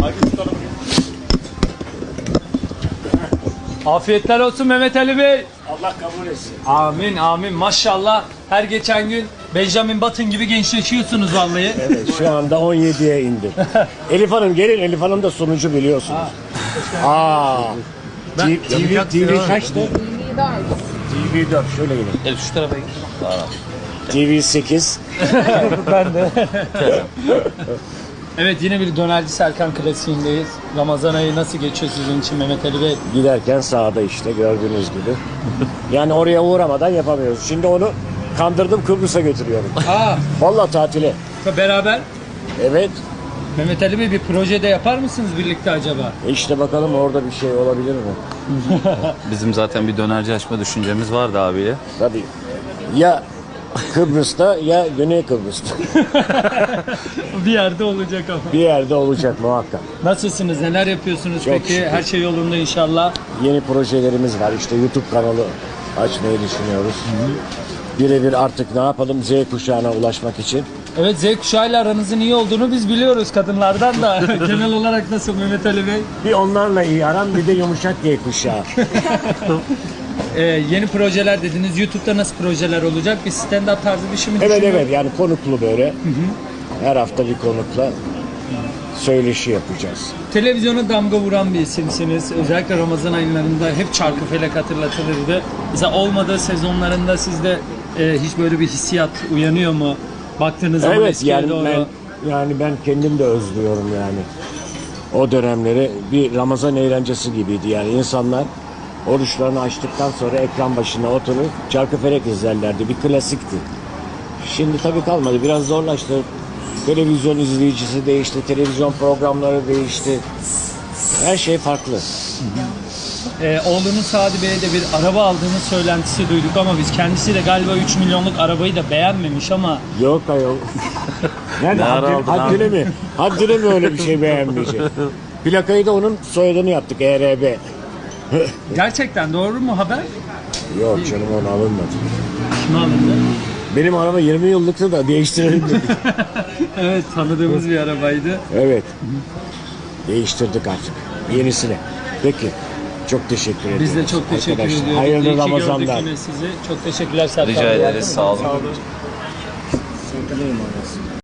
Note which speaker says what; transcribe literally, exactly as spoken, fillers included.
Speaker 1: Afiyetler olsun Mehmet Ali Bey.
Speaker 2: Allah kabul etsin.
Speaker 1: Amin amin maşallah. Her geçen gün Benjamin Button gibi gençleşiyorsunuz vallahi.
Speaker 2: Evet, şu anda on yediye indim. Elif Hanım gelin, Elif Hanım da sunucu biliyorsunuz. Aa.
Speaker 1: Ben-
Speaker 2: T V, T V kaçtı? T V dört, şöyle gelin.
Speaker 3: Evet şu tarafa git.
Speaker 2: T V sekiz.
Speaker 1: Ben de. Evet yine bir Dönerci Serkan klasiğindeyiz. Ramazan ayı nasıl geçiyor sizin için Mehmet Ali Bey?
Speaker 2: Giderken sağda işte gördüğünüz gibi. Yani oraya uğramadan yapamıyoruz. Şimdi onu kandırdım, Kıbrıs'a götürüyorum.
Speaker 1: Aa,
Speaker 2: Vallahi tatile.
Speaker 1: beraber
Speaker 2: Evet.
Speaker 1: Mehmet Ali Bey bir projede yapar mısınız birlikte acaba?
Speaker 2: İşte bakalım orada bir şey olabilir mi?
Speaker 3: Bizim zaten bir dönerci açma düşüncemiz vardı abiyle.
Speaker 2: Tabii. Ya Kıbrıs'ta ya Güney Kıbrıs'ta.
Speaker 1: Bir yerde olacak ama.
Speaker 2: Bir yerde olacak muhakkak.
Speaker 1: Nasılsınız? Neler yapıyorsunuz
Speaker 2: Çok
Speaker 1: peki?
Speaker 2: şükür.
Speaker 1: Her şey yolunda inşallah.
Speaker 2: Yeni projelerimiz var. İşte YouTube kanalı açmayı düşünüyoruz. Birebir artık ne yapalım Z kuşağına ulaşmak için.
Speaker 1: Evet Z kuşağıyla aranızın iyi olduğunu biz biliyoruz kadınlardan da. Genel olarak nasıl Mehmet Ali Bey?
Speaker 2: Bir onlarla iyi aram, bir de yumuşak Y kuşağı.
Speaker 1: Ee, yeni projeler dediniz. YouTube'da nasıl projeler olacak? Bir stand-up tarzı bir şey mi
Speaker 2: Evet
Speaker 1: düşünüyorsunuz?
Speaker 2: evet, yani konuklu böyle. Her hafta bir konukla söyleşi yapacağız.
Speaker 1: Televizyona damga vuran bir isimsiniz. Özellikle Ramazan aylarında hep Çarkıfelek hatırlatılırdı. Mesela olmadığı sezonlarında sizde e, hiç böyle bir hissiyat uyanıyor mu? Baktığınız zaman
Speaker 2: Evet
Speaker 1: eskiye
Speaker 2: yani
Speaker 1: doğru.
Speaker 2: ben yani ben kendim de özlüyorum yani. O dönemleri bir Ramazan eğlencesi gibiydi yani insanlar oruçlarını açtıktan sonra ekran başına oturup Çarkıfelek izlerlerdi. Bir klasikti. Şimdi tabii kalmadı. Biraz zorlaştı. Televizyon izleyicisi değişti. Televizyon programları değişti. Her şey farklı.
Speaker 1: Ee, oğlunuz Sadi Bey'e de bir araba aldığını söylentisi duyduk ama biz kendisi de galiba üç milyonluk arabayı da beğenmemiş ama
Speaker 2: Yok ayol. Yani
Speaker 3: Ne ara
Speaker 2: haddine,
Speaker 3: aldın
Speaker 2: haddine mi? Haddine mi öyle bir şey beğenmeyecek? Plakayı da onun soyadını yaptık. E R B.
Speaker 1: gerçekten doğru mu haber?
Speaker 2: Yok canım, onu alınmadı.
Speaker 1: Kim alındı?
Speaker 2: Benim araba yirmi yıllıktı da değiştirelim dedik.
Speaker 1: Evet tanıdığımız bir arabaydı.
Speaker 2: Evet. Değiştirdik artık. Yenisine. Peki. Çok teşekkür ederim.
Speaker 1: Biz de çok teşekkür
Speaker 2: Arkadaşlar,
Speaker 1: ediyoruz.
Speaker 2: hayırlı
Speaker 1: İyi ki gördük
Speaker 2: Ramazanlar.
Speaker 1: yine sizi. Çok teşekkürler Serkan
Speaker 3: Rica
Speaker 1: Bey.
Speaker 3: ederiz. Sağ olun.
Speaker 1: Sağ olun.
Speaker 2: Sakınayım orası.